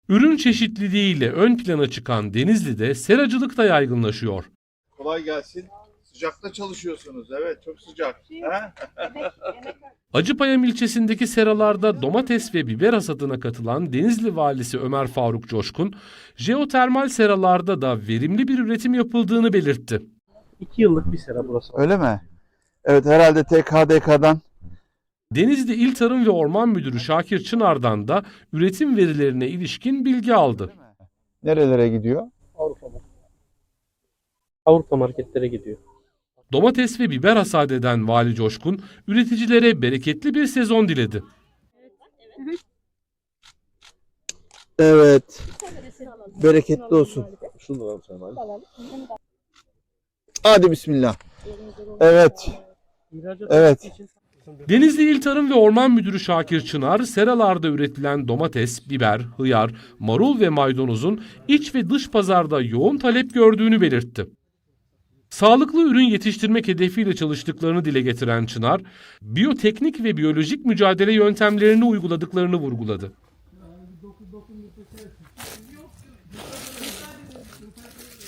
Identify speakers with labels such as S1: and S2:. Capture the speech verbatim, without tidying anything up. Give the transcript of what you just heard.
S1: Ürün çeşitliliğiyle ön plana çıkan Denizli'de seracılık da yaygınlaşıyor.
S2: Kolay gelsin. Sıcakta çalışıyorsunuz. Evet, çok sıcak. Ha?
S1: Acıpayam ilçesindeki seralarda domates ve biber hasadına katılan Denizli Valisi Ömer Faruk Coşkun, jeotermal seralarda da verimli bir üretim yapıldığını belirtti.
S3: İki yıllık bir sera burası.
S4: Öyle mi? Evet, herhalde T K D K'dan.
S1: Denizli İl Tarım ve Orman Müdürü Şakir Çınar'dan da üretim verilerine ilişkin bilgi aldı.
S4: Nerelere gidiyor?
S3: Avrupa market. Avrupa marketlere gidiyor.
S1: Domates ve biber hasat eden Vali Coşkun, üreticilere bereketli bir sezon diledi.
S4: Evet. Bereketli olsun.
S2: Şunu alalım sen abi.
S4: Hadi bismillah. Evet.
S3: İhracat
S4: Evet.
S3: için
S1: Denizli İl Tarım ve Orman Müdürü Şakir Çınar, seralarda üretilen domates, biber, hıyar, marul ve maydanozun iç ve dış pazarda yoğun talep gördüğünü belirtti. Sağlıklı ürün yetiştirmek hedefiyle çalıştıklarını dile getiren Çınar, biyoteknik ve biyolojik mücadele yöntemlerini uyguladıklarını vurguladı.